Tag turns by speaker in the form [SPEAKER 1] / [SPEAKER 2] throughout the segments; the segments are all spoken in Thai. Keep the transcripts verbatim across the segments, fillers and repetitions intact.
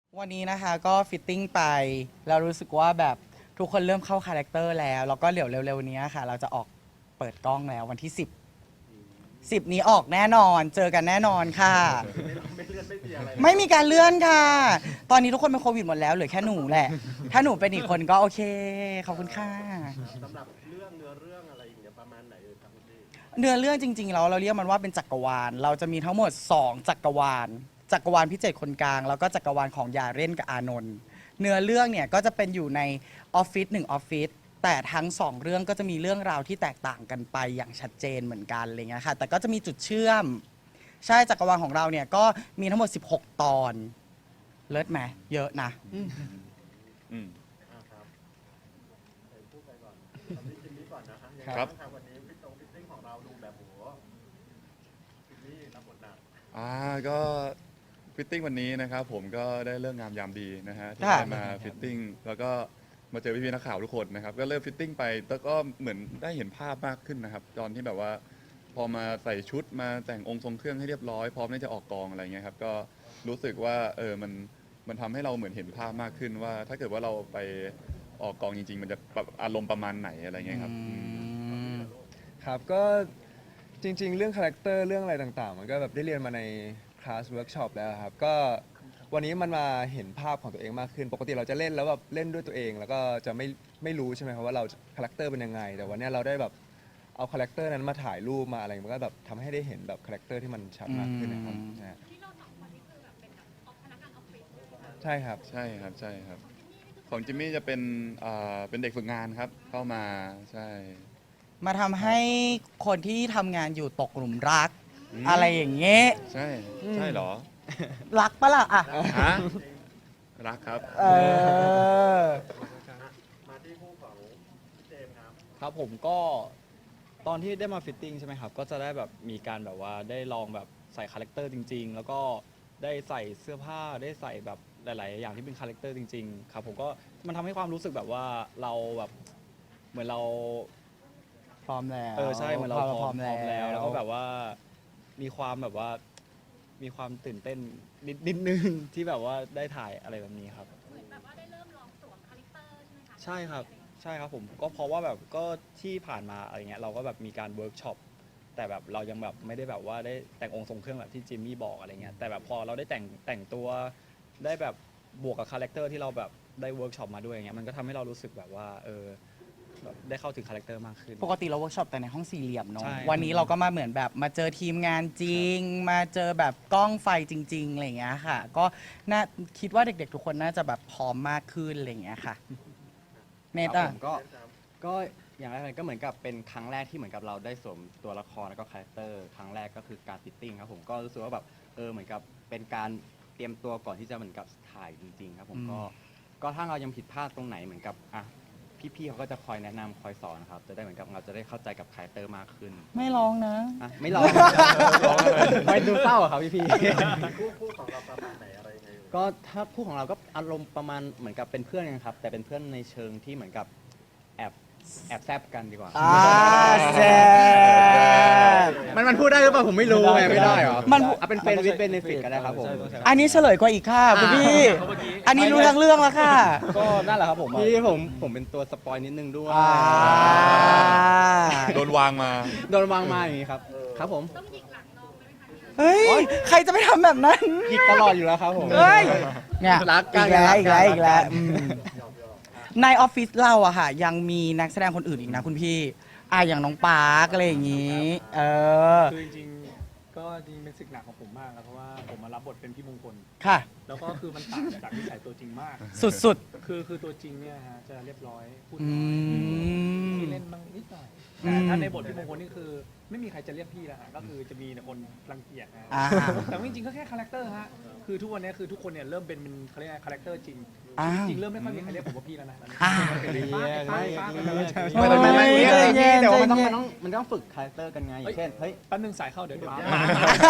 [SPEAKER 1] วันนี้นะคะก็ฟิตติ้งไปแล้วรู้สึกว่าแบบทุกคนเริ่มเข้าคาแรคเตอร์แล้วแล้วก็เดี๋ยวเร็วๆนี้ค่ะเราจะออกเปิดกล้องแล้ววันที่ สิบ สิบนี้ออกแน่นอนเจอกันแน่นอนค่ะ
[SPEAKER 2] ไม่เลื่อนไม่มีอะไร
[SPEAKER 1] ไม่มีการเลื่อนค่ะ ตอนนี้ทุกคนเป็นโควิดหมดแล้วเหลือแค่หนูแหละ ถ้าหนูเป็นอีกคนก็โอเคขอบคุณค่ะ
[SPEAKER 2] สำหรับเรื่องเนื้อเรื่องอะไรอย่างเงี้ยประมาณไหนเอ่ยครับคุณพี่
[SPEAKER 1] เนื้อเรื่องจริงๆแล้วเราเรียกมันว่าเป็นจักรวาล เราจะมีทั้งหมด สอง จักรวาล จักรวาลพิเศษคนกลาง แล้วก็จักรวาลของยาเร่นกับอานนท์เนื้อเรื่องเนี่ยก็จะเป็นอยู่ในออฟฟิศหนึ่งออฟฟิศแต่ทั้งสองเรื่องก็จะมีเรื่องราวที่แตกต่างกันไปอย่างชัดเจนเหมือนกันอะไรเงี้ยค่ะแต่ก็จะมีจุดเชื่อม ใช่จักรวาลของเราเนี่ยก็มีทั้งหมด สิบหก ตอน เลิศไหมเยอะนะ
[SPEAKER 3] อืม
[SPEAKER 2] อ่าครับเดี๋ยวพูดไปก่อนตอนนี้จิมมี่ก่อนนะฮะยังไง
[SPEAKER 3] ครับ
[SPEAKER 2] างครับวันนี้ฟิตตรงฟิตติ้งของเราดูแบบโหจิมมี่รับบทหนัก
[SPEAKER 3] อ่าก็ฟิตติ้งวันนี้นะครับผมก็ได้เรื่องงามยามดีนะฮะที่
[SPEAKER 1] ค่ะ
[SPEAKER 3] ได้มาฟิตติ้งแล้วก็มาเจอพี่ๆนักข่าวทุกคนนะครับก็เริ่มฟิตติ้งไปแล้วก็เหมือนได้เห็นภาพมากขึ้นนะครับตอนที่แบบว่าพอมาใส่ชุดมาแต่งองค์ทรงเครื่องให้เรียบร้อยพร้อมที่จะออกกองอะไรเงี้ยครับก็รู้สึกว่าเออมันมันทำให้เราเหมือนเห็นภาพมากขึ้นว่า ถ้าเกิดว่าเราไปออกกองจริง ๆ มันจะแบบอารมณ์ประมาณไหนอะไรเงี้ยครับ
[SPEAKER 1] อืม
[SPEAKER 4] ครับก็จริง ๆ เรื่องคาแรคเตอร์เรื่องอะไรต่างๆ มันก็แบบได้เรียนมาในคลาสเวิร์กช็อปแล้วครับก็วันนี้มันมาเห็นภาพของตัวเองมากขึ้น ปกติเราจะเล่นแล้วแบบเล่นด้วยตัวเอง แล้วก็จะไม่ไม่รู้ใช่ไหมครับว่าเราคาแรคเตอร์เป็นยังไง แต่วันนี้เราได้แบบเอาคาแรคเตอร์นั้นมาถ่ายรูปมาอะไรมันก็แบบทำให้ได้เห็นแบบคาแรคเตอร์ที่มันชัดมากขึ้นนะครับ
[SPEAKER 1] อืม
[SPEAKER 4] นะฮะ
[SPEAKER 5] ที่เราสองคนนี่คือแบบเป็นแบบออฟพนักงานออฟฟิศเลยค่ะ
[SPEAKER 4] ใช่ครับ
[SPEAKER 3] ใช่ครับใช่ครับ ของจิมมี่จะเป็นอ่าเป็นเด็กฝึกงานครับเข้ามาใช่
[SPEAKER 1] มาทำให้คนที่ทำงานอยู่ตกหลุมรัก
[SPEAKER 3] อืม
[SPEAKER 1] อะไรอย่างเงี้ย
[SPEAKER 3] ใช่ใช่เหรอ
[SPEAKER 1] รักปะล่ะอ่ะ
[SPEAKER 3] ฮะรักครับ
[SPEAKER 1] เออ
[SPEAKER 2] มาที่คู่ของพี่เจมส์ครับ
[SPEAKER 6] ครับผมก็ตอนที่ได้มาฟิตติ้งใช่ไหมครับ ก็จะได้แบบมีการแบบว่าได้ลองแบบใส่คาแรคเตอร์จริง ๆ แล้วก็ได้ใส่เสื้อผ้าได้ใส่แบบหลาย ๆ อย่างที่เป็นคาแรคเตอร์จริง ๆ ครับผมก็มันทำให้ความรู้สึกแบบว่าเราแบบเหมือนเรา
[SPEAKER 1] พร้อมแล้ว
[SPEAKER 6] เออใช่เหมือนเราพร้อม
[SPEAKER 1] พร้อม
[SPEAKER 6] พร้อม
[SPEAKER 1] แล้
[SPEAKER 6] แล้ว วแล้วก็แบบว่ามีความแบบว่ามีความตื่นเต้นนิดนิดนึง ที่แบบว่าได้ถ่ายอะไรแบบนี้ครับ
[SPEAKER 5] เหมือนแบบว่าได้เริ่มลองสวมคาแรคเตอร์ใช่ไหมคะ
[SPEAKER 6] ใช่ครับใช่ครับผมก็เพราะว่าแบบก็ที่ผ่านมาอะไรเงี้ยเราก็แบบมีการเวิร์กช็อปแต่แบบเรายังแบบไม่ได้แบบว่าได้แต่งองค์ทรงเครื่องแบบที่จิมมี่บอกอะไรเงี้ยแต่แบบพอเราได้แต่งแต่งตัวได้แบบบวกกับคาแรคเตอร์ที่เราแบบได้เวิร์กช็อปมาด้วยอย่างเงี้ยมันก็ทำให้เรารู้สึกแบบว่าเออแบบได้เข้าถึงคาแรคเตอร์มากขึ้น
[SPEAKER 1] ปกติเราเวิร์กช็อปแต่ในห้องสี่เหลี่ยมเนาะ
[SPEAKER 6] ใช่
[SPEAKER 1] วันนี้เราก็มาเหมือนแบบมาเจอทีมงานจริง มาเจอแบบกล้องไฟจริงๆอะไรอย่างเงี้ยค่ะ ก็น่าคิดว่าเด็กๆ ทุกคนน่าจะแบบพร้อมมากขึ้นอะไรอย่างเงี้ยค่ะเนต
[SPEAKER 7] ครั
[SPEAKER 1] อ่ะ
[SPEAKER 7] บผมก็ก็อย่างแรกเลยก็เหมือนกับเป็นครั้งแรกที่เหมือนกับเราได้สวมตัวละครแล้วก็คาแรคเตอร์ครั้งแรกก็คือการฟิตติ้งครับผมก็รู้สึกว่าแบบเออเหมือนกับเป็นการเตรียมตัวก่อนที่จะเหมือนกับถ่ายจริง ๆ ครับผม
[SPEAKER 1] อืม
[SPEAKER 7] ก็ก็ถ้าเรายังผิดพลาดตรงไหนเหมือนกับอ่ะพี่ๆเขาก็จะคอยแนะนำคอยสอนครับจะได้เหมือนกับเราจะได้เข้าใจกับคาแรคเตอร์มากขึ้น
[SPEAKER 1] ไม่ร้องนะ
[SPEAKER 7] อ่ะไม่ลองไม่ดูเศร้าอะครับพี่ๆ
[SPEAKER 2] คู่คู่ของเราประมาณไหนอะไรยังไงเอ่ย
[SPEAKER 7] ก็ถ้าคู่ของเราก็อารมณ์ประมาณเหมือนกับเป็นเพื่อนกันครับ แต่เป็นเพื่อนในเชิงที่เหมือนกับแอบแอบแซบกันดีกว่า
[SPEAKER 1] อ่าแซ่บ
[SPEAKER 7] มันมันพูดได้หรือเปล่าผมไม่รู้ไงไม่ได้เหรอ
[SPEAKER 1] มัน
[SPEAKER 7] เอาเป็นเฟรนด์วิดเบนฟิตก็ได้ครับผม
[SPEAKER 1] อันนี้เฉลยกว่าอีกค่ะคุณพี่ อันนี้รู้ทั้งเรื่องแล้วค่ะ
[SPEAKER 6] ก็นั่นแหละครับผม
[SPEAKER 7] พี่ผมผมเป็นตัวสปอยนิดนึงด้วย
[SPEAKER 1] อ่า
[SPEAKER 3] โดนวางมา
[SPEAKER 7] โดนวางมาอย่างนี้ครับ ครับผม
[SPEAKER 5] ต้องหยิกหลังน้องไหมคะ
[SPEAKER 1] เฮ้ย ใครจะไปทำแบบนั้น
[SPEAKER 7] หยิกตลอดอยู่แล้วครับผม
[SPEAKER 1] เฮ้ย เนี่ย
[SPEAKER 7] รักกัน
[SPEAKER 1] อีกแล้ว
[SPEAKER 7] รักกัน
[SPEAKER 1] อีกแล้ว อีกแล้ว
[SPEAKER 7] รักกัน
[SPEAKER 1] อืมในออฟฟิศเราอะค่ะ ยังมีนักแสดงคนอื่นอีกนะคุณพี่อ่ะอย่างน้องปาร์กอะไรอย่างงี้ เออ
[SPEAKER 8] คือจริงๆ ก็จริงๆเป็นศึกหนักของผมมากครับเพราะว่าผมมารับบทเป็นพี่มงคล
[SPEAKER 1] ค่ะ
[SPEAKER 8] แล้วก็คือมันต่างจากนิสัยตัวจริงมาก
[SPEAKER 1] สุด
[SPEAKER 8] คือคือตัวจริงเนี่ยฮะจะเรียบร้อยพูด
[SPEAKER 1] ๆ อื
[SPEAKER 8] น้อย
[SPEAKER 1] ม
[SPEAKER 8] ที่เล่นบ้างนิดหน่อย
[SPEAKER 1] อื
[SPEAKER 8] แต่
[SPEAKER 1] ม
[SPEAKER 8] ถ้าในบทพี่มงคลนี่คือ ไม่มีใครจะเรียกพี่แล้วฮะก็คือจะมีแต่คนรังเกียจนะฮะ
[SPEAKER 1] อ่า
[SPEAKER 8] แต่ว่าจริงๆก็แค่คาแรคเตอร์ฮะคือทุกวันนี้คือทุกคนเนี่ยเริ่มเป็นเป็นเขาเรียกอะไรคาแรคเตอร์จริง
[SPEAKER 1] อ่า
[SPEAKER 8] จริงๆเริ่มไม่ค่อยมีใครเรียกผมว่าพี่แล้วนะ
[SPEAKER 1] อ่า
[SPEAKER 8] ป้าป้าป้า
[SPEAKER 1] โอ้ย
[SPEAKER 7] ไม่ไม่ไม่ไม่
[SPEAKER 1] ใจเย็น
[SPEAKER 7] แต่ว่ามัน
[SPEAKER 1] ใจ
[SPEAKER 7] ต้อง
[SPEAKER 1] เย็น
[SPEAKER 7] มันต้องมันต้องฝึกคาแรคเตอร์กันไงอย่างเช่นเฮ้ย
[SPEAKER 8] แป๊บนึงสายเข้าเดี๋ยวเดี๋ยว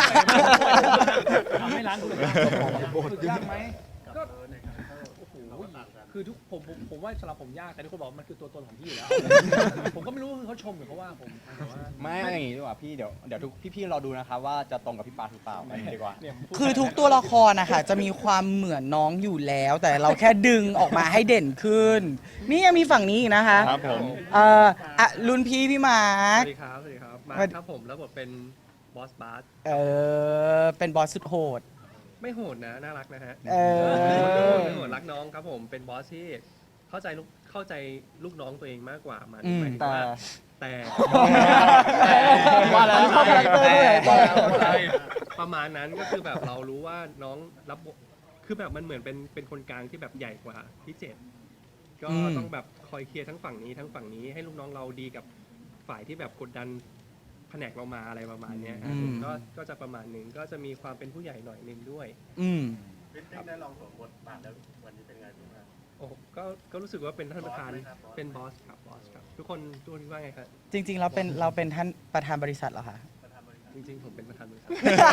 [SPEAKER 8] ทำให้ร้านดูเลยฝึกยากไหมก็โอ้โห
[SPEAKER 2] ต่างกัน
[SPEAKER 8] คือทุกผมผมผมว่าสำหรับผมยากแต่ทุกคนบอกว่ามันคือตัวตนของพี่อยู่แล้ว ผมก็ไม่รู้ว่าคือเขาชมหรือเขาว่าผมแต่ว่า
[SPEAKER 7] ไม่อย่างงี้ดีกว่าพี่เดี๋ยวเดี๋ยวทุกพี่ๆรอดูนะครับว่าจะตรงกับพี่ปาหรือเปล่าไปดีกว่า
[SPEAKER 8] เนี่ยผมพูด
[SPEAKER 1] คือทุกตัวละครนะคะจะมีความเหมือนน้องอยู่แล้ว แต่เราแค่ดึงออกมาให้เด่นขึ้น นี่ยังมีฝั่งนี้อีกนะคะ
[SPEAKER 3] ครับผม
[SPEAKER 1] เอ่ออ่ะรุ่นพี่พี่มา
[SPEAKER 9] ส
[SPEAKER 1] ร์ค
[SPEAKER 9] วัสดีครับ สวัสดีครับ มา
[SPEAKER 1] สวัสดี
[SPEAKER 9] ครับผมแล้วบทเป็นบอสบาส
[SPEAKER 1] เออเป็นบอสสุดโหด
[SPEAKER 9] ไม่โหดนะ น่ารักนะฮะ
[SPEAKER 1] เออ
[SPEAKER 9] ไม่โหดรักน้องครับผม เป็นบอสที่เข้าใจลูกเข้าใจลูกน้องตัวเองมากกว่ามา
[SPEAKER 1] อืม
[SPEAKER 9] หมายถึง
[SPEAKER 4] แต่
[SPEAKER 9] ว่าแต่
[SPEAKER 1] ว่าแล้วเข้าคาแรคเตอร์ด้วย
[SPEAKER 9] ใช่ประมาณนั้นก็คือแบบเรารู้ว่าน้องรับบทคือแบบมันเหมือนเป็นเป็นคนกลางที่แบบใหญ่กว่าพี่เจตก็
[SPEAKER 1] อืม
[SPEAKER 9] ต้องแบบคอยเคลียร์ทั้งฝั่งนี้ทั้งฝั่งนี้ให้ลูกน้องเราดีกับฝ่ายที่แบบกดดันแผนกเรามาอะไรประมาณเนี้ยครับผมก็ก็จะประมาณหนึ่งก็จะมีความเป็นผู้ใหญ่หน่อยหนึงด้วย
[SPEAKER 1] อืม
[SPEAKER 2] ฟิตติ้งได้ลองสวมบทบาทแล้ววันนี้เป็นไงบ้างครับ
[SPEAKER 9] โอ้ก็ก็รู้สึกว่าเป็นท่านประธาน
[SPEAKER 2] บอสไหมครับบอส
[SPEAKER 9] เป็นบอสครับบอสครับทุกคนทุกคนคิดว่าไงครับ
[SPEAKER 1] จริงๆเราเป็นเราเป็นท่านประธานบริษัทเหรอคะ
[SPEAKER 2] ประธานบริษัท
[SPEAKER 9] จริงๆผมเป็นประธานบริษัท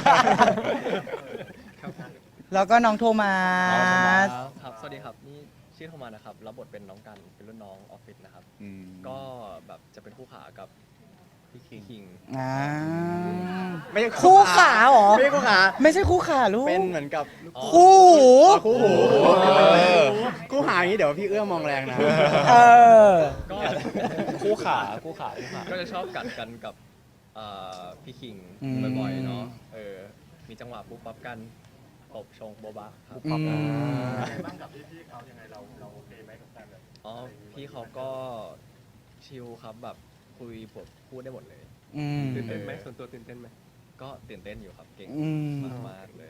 [SPEAKER 9] ครับ
[SPEAKER 1] แล้วก็น้องโทมัส
[SPEAKER 10] ครับ สวัสดีครับ นี่ชื่อโทมัสนะครับ รับบทเป็นน้องกัน เป็นรุ่นน้องออฟฟิศนะครับ
[SPEAKER 3] อืม
[SPEAKER 10] ก็แบบจะเป็นคู่ขากับพี่คิงคิง
[SPEAKER 1] อ่า
[SPEAKER 7] ไม่ใช่
[SPEAKER 1] คู่ขาเหรอ
[SPEAKER 7] ไม่ใช่คู่ขา
[SPEAKER 1] ไม่ใช่คู่ขาลูก
[SPEAKER 7] เป็นเหมือนกับ
[SPEAKER 1] คู่หู
[SPEAKER 7] คู่หูคู่หาอย่างนี้เดี๋ยวพี่เอื้อมองแรงนะ
[SPEAKER 1] เออ
[SPEAKER 10] ก็
[SPEAKER 6] คู่ขาคู่ขาคู่ขา
[SPEAKER 10] ก็จะชอบกัดกันกับเอ่อพี่คิง
[SPEAKER 1] อืม
[SPEAKER 10] บ่อยๆเนาะ เออ มีจังหวะปุ๊บปั๊บกันตบชงโบบะครับ
[SPEAKER 1] อืม
[SPEAKER 2] ยังไงบ้างกับพี่ๆเขายังไงเราเราโอเคไหมกับการแบบ
[SPEAKER 10] อ๋อ พี่เขาก็ชิลครับแบบคุยบทพูดได้หมดเลย
[SPEAKER 1] อืม
[SPEAKER 9] ตื่นเต้นไหมส่วนตัวตื่นเต้นไหม
[SPEAKER 10] ก็ตื่นเต้นอยู่ครับ เก่ง
[SPEAKER 1] อืม
[SPEAKER 10] มากๆเลย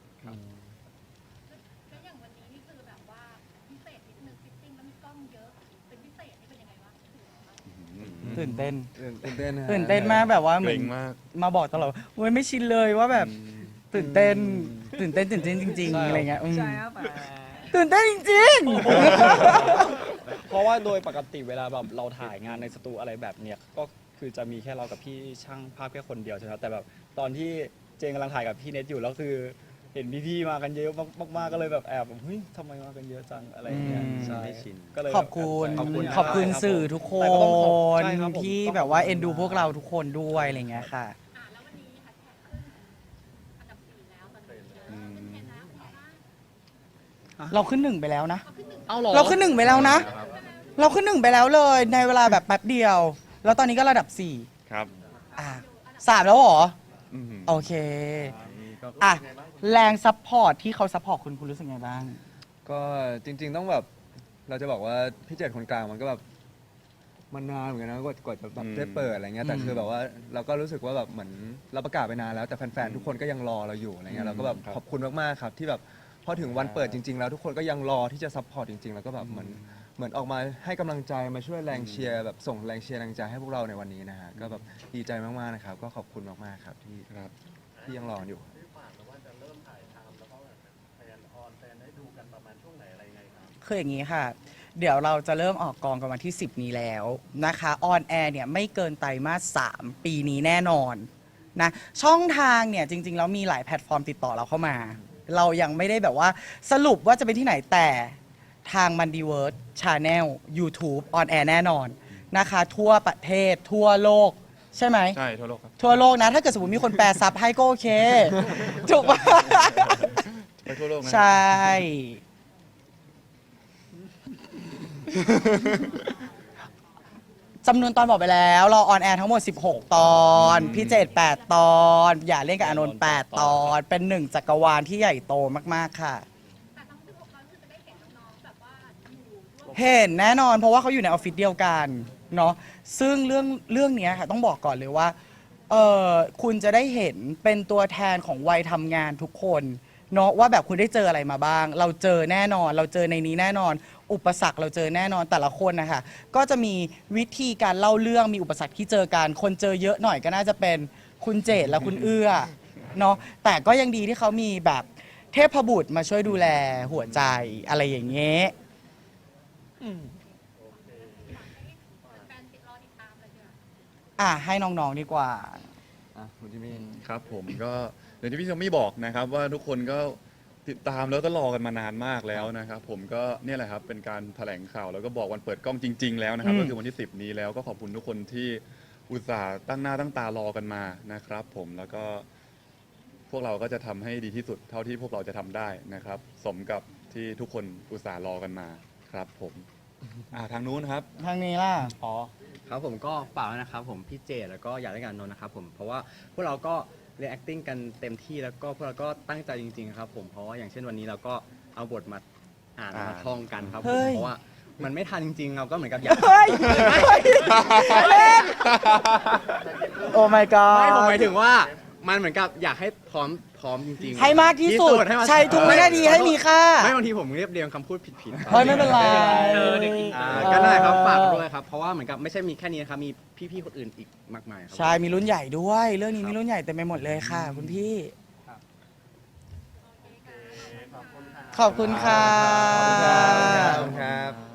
[SPEAKER 5] แล้วอย่างวันนี้นี่คือแบบว่าพิเศษนิดนึงฟิตติ้งแล้วมีกล้องเยอะ เป็นพิเศษนี่เป็นยังไงวะ
[SPEAKER 1] ตื่นเต้น
[SPEAKER 4] ตื่นเต้นนะฮะ
[SPEAKER 1] ตื่นเต้นมากแบบว่าเห
[SPEAKER 3] เก
[SPEAKER 1] มื
[SPEAKER 3] ร
[SPEAKER 1] อน
[SPEAKER 3] งมาก
[SPEAKER 1] มาบอกตลอดว่าเว้ยไม่ชินเลยว่าแบบตื่นเต้น ตื่นเต้นตื่นเต้นจริง ๆ อะไรเงี้ยอืม
[SPEAKER 8] ใช่ครับ
[SPEAKER 1] ตื่นเต้นจริง
[SPEAKER 6] เพราะว่าโดยปกติเวลาแบบเราถ่ายงานในสตูอะไรแบบเนี้ยก็คือจะมีแค่เรากับพี่ช่างภาพแค่คนเดียวใช่ไหมครับแต่แบบตอนที่เจนกำลังถ่ายกับพี่เน็ตอยู่แล้วคือเห็นพี่ๆมากันเยอะมากๆก็เลยแบบแอบแบบเฮ้ยทำไมมากันเยอะจังอะไรอย่างเงี้ย
[SPEAKER 1] อืม
[SPEAKER 6] ใช่
[SPEAKER 7] ไม่ชิน
[SPEAKER 6] ก็เลย
[SPEAKER 1] ๆ ขอบคุณ
[SPEAKER 6] ขอบคุณ
[SPEAKER 1] ขอบคุณสื่อทุกค
[SPEAKER 6] แต่ก็ต้องขอบ
[SPEAKER 1] น
[SPEAKER 6] ใช่ครับผม
[SPEAKER 1] ที่
[SPEAKER 6] ต้องขอบ
[SPEAKER 1] แบบว่าเอ็นดู
[SPEAKER 6] คุณมาก
[SPEAKER 1] พวกเราทุกคนด้วยอะไรเงี้ยค่ะ
[SPEAKER 5] อ่าแล้ววันนี้แฮชแท็กขึ้นอันดับสี่แล้วตอนนี้เออเป็นเทรนด์แล้วเป็นไงบ้าง
[SPEAKER 1] เราขึ้นหนึ่งไปแล้วนะ
[SPEAKER 5] เอาขึ้นหนึ่ง
[SPEAKER 6] เอาหรอ
[SPEAKER 1] เราขึ้นหนึ่งไปแล้วนะ เราขึ้นหนึ่งไปแล้วเลย ในเวลาแบบแป๊บเดียว แล้วตอนนี้ก็ระดับสี่
[SPEAKER 3] ครับ
[SPEAKER 1] อ่ะสามแล้วเหรอ
[SPEAKER 3] อืม
[SPEAKER 1] โอเค อ่ะ แรงซัพพอร์ตที่เขาซัพพอร์ตคุณคุณรู้สึกไงบ้าง
[SPEAKER 4] ก็จริง ๆ ต้องแบบเราจะบอกว่าพี่เจ็ดคนกลางมันก็แบบมันนานเหมือนกันนะกว่ากว่าจะแบบได้เปิดอะไรเงี้ยแต่คือแบบว่าเราก็รู้สึกว่าแบบเหมือนเราประกาศไปนานแล้วแต่แฟนๆทุกคนก็ยังรอเราอยู่อะไรเงี้ยเราก็แบบขอบคุณมากๆครับที่แบบพอถึงวันเปิดจริง ๆ แล้วทุกคนก็ยังรอที่จะซัพพอร์ตจริงๆแล้วก็แบบเหมือนเหมือนออกมาให้กำลังใจมาช่วยแรงเชียร์แบบส่งแรงเชียร์แรงใจให้พวกเราในวันนี้นะฮะก็แบบดีใจมากๆนะครับก็ขอบคุณมากๆครับที่
[SPEAKER 3] ครับ
[SPEAKER 4] ที่ยังรออยู่
[SPEAKER 2] ที่ฝากว่าจะเริ่มถ่ายทำแล้วก็แบบแฟนออนแฟนได้ดูกันประมาณช่วงไหนอะไรยังไงครับ
[SPEAKER 1] คืออย่างนี้ค่ะ เดี๋ยวเราจะเริ่มออกกองกันวันที่ สิบ นี้แล้วนะคะออนแอร์เนี่ยไม่เกินไตรมาสสามปีนี้แน่นอนนะช่องทางเนี่ยจริง ๆ แล้วมีหลายแพลตฟอร์มติดต่อเราเข้ามา เรายังไม่ได้แบบว่าสรุปว่าจะเป็นที่ไหนแต่ทางมันดีเวิร์ดชาแนล YouTube ออนแอร์แน่นอนนะคะ ทั่วประเทศทั่วโลก ใช่ไหม
[SPEAKER 3] ใช่ทั่วโลกครับ
[SPEAKER 1] ทั่วโลกนะ ถ้าเกิดสมมติมีคนแปลซับให้ก็โอเค ถูกปะ
[SPEAKER 3] ไปทั่วโลกนะ
[SPEAKER 1] ใช่ จำนวนตอนบอกไปแล้ว เราออนแอร์ทั้งหมด สิบหก ตอน พี่เจดแปด ตอน อย่าเล่นกับอานนท์แปด ตอน เป็นหนึ่งจักรวาลที่ใหญ่โตมาก ๆ ค่ะ
[SPEAKER 5] แต่ทั้งสิบหกครั้งคือจะได้เห็นน้องๆแบบว่าอยู่ร่วม
[SPEAKER 1] เห็นแน่นอนเพราะว่าเขาอยู่ในออฟฟิศเดียวกันเนาะซึ่งเรื่องเรื่องเนี้ยค่ะต้องบอกก่อนเลยว่าเออคุณจะได้เห็นเป็นตัวแทนของวัยทำงานทุกคนเนาะว่าแบบคุณได้เจออะไรมาบ้าง เราเจอแน่นอน เราเจอในนี้แน่นอน อุปสรรคเราเจอแน่นอนแต่ละคนนะคะก็จะมีวิธีการเล่าเรื่องมีอุปสรรคที่เจอกันคนเจอเยอะหน่อยก็น่าจะเป็นคุณเจตและคุณเอื้อเนาะแต่ก็ยังดีที่เขามีแบบเทพบุตรมาช่วยดูแลหัวใจอะไรอย่างเงี้ย
[SPEAKER 5] แฟนๆติดรอติดตามเลยเดี๋ยว
[SPEAKER 1] อ่ะให้น้องๆดีกว่า
[SPEAKER 4] อ่ะคุณจิมมี่
[SPEAKER 3] ครับผมก็อย่างที่พี่ชมมี่บอกนะครับว่าทุกคนก็จติดตามแล้วก็รอกันมานานมากแล้วนะครับ ผมก็เนี่ยแหละครับเป็นการแถลงข่าวแล้วก็บอกวันเปิดกล้องจริง ๆ แล้วนะครับ
[SPEAKER 1] อืม
[SPEAKER 3] ก็คือวันที่ สิบ นี้แล้วก็ขอบคุณทุกคนที่อุตส่าห์ตั้งหน้าตั้งตารอกันมานะครับ ผมแล้วก็พวกเราก็จะทำให้ดีที่สุดเท่าที่พวกเราจะทำได้นะครับ สมกับที่ทุกคนอุตส่าห์รอกันมาครับ ผมอ่าทางนู้นครับ
[SPEAKER 1] ทางนี้ล่ะ
[SPEAKER 7] อ๋อครับผมก็ฝากไว้นะครับผมพี่เจแล้วก็อยากได้การนนท์นะครับผมเพราะว่าพวกเราก็เรียน acting กันเต็มที่แล้วก็พวกเราก็ตั้งใจจริงๆครับผมเพราะว่าอย่างเช่นวันนี้เราก็เอาบทมาอ่าน
[SPEAKER 3] อ่าม
[SPEAKER 7] มาท่องกันครับผ
[SPEAKER 1] เฮ้
[SPEAKER 7] ม
[SPEAKER 1] ย
[SPEAKER 7] เพราะว่ามันไม่ทันจริงๆเราก็เหมือนกับอยาก
[SPEAKER 1] เฮ้ยเล่นโอ้ my god
[SPEAKER 7] ไม่ผมหมายถึงว่ามันเหมือนกับอยากให้พร้อมพร้อมจริงๆ
[SPEAKER 1] ให้มากที่สุด
[SPEAKER 7] ให้มัน
[SPEAKER 1] ใช้ทุกวินาทีให้มีค่า
[SPEAKER 7] ไม่บางทีผมเรียบเรียงคำพูดผิดๆ
[SPEAKER 1] เฮ้ยไม่เป็นไร
[SPEAKER 9] เออเด็กอินเตอ
[SPEAKER 7] อ่า
[SPEAKER 9] ร์
[SPEAKER 7] ก็ได้ครับฝากด้วยครับเพราะว่าเหมือนกับไม่ใช่มีแค่นี้นะครับมีพี่ๆคนอื่นอีกมากมายครั
[SPEAKER 1] ใช่ มีรุ่นใหญ่ด้วย เรื่องนี้มีรุ่นใหญ่เต็มไปหมดเลยค่ะ คุณพี่
[SPEAKER 2] ขอบคุณค่ะ
[SPEAKER 1] ขอบคุณค่ะ
[SPEAKER 4] ขอบคุณครับ